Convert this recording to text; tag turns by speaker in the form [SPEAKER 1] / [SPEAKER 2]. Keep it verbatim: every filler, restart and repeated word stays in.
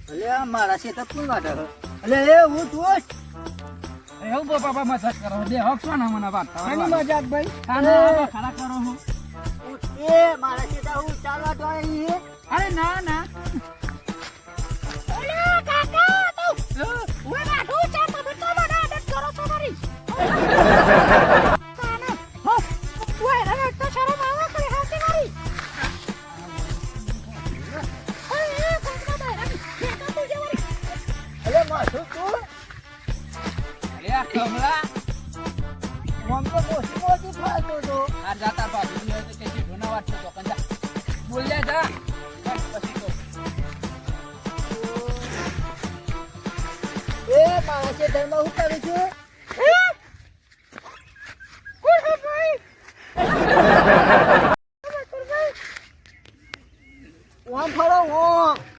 [SPEAKER 1] અલે આ મારા શેતર કોણ વાટે છે? અલે એ હું તું
[SPEAKER 2] એ હું બો બાપા મજાક કરો બે હક છો ને મને વાત
[SPEAKER 1] આની મજાક ભાઈ
[SPEAKER 2] આના આવા ખરા કરો હું
[SPEAKER 1] એ મારા શેતર હું ચાલવા તો આવી
[SPEAKER 2] અરે ના ના
[SPEAKER 3] ઓલે કાકા તો ઓય રાઠો ચા તમે તો મને આદત કરો છો મારી કાના હો ઓય રે તો શરમ આવે કે હાથી મારી ઓય એ કાકા ભાઈ રે કાકા તું જેવારી
[SPEAKER 1] અલે માથું તું
[SPEAKER 2] અરે આ કમલા
[SPEAKER 1] મમ તો મોટી મોટી ફાલતો તો
[SPEAKER 2] આ જાતા બાબુ ને કે કે ઢોના વાત તો કંજા બોલ લે જા બસ પછી તો
[SPEAKER 1] એ મારા શેતરમાં હું કરું છું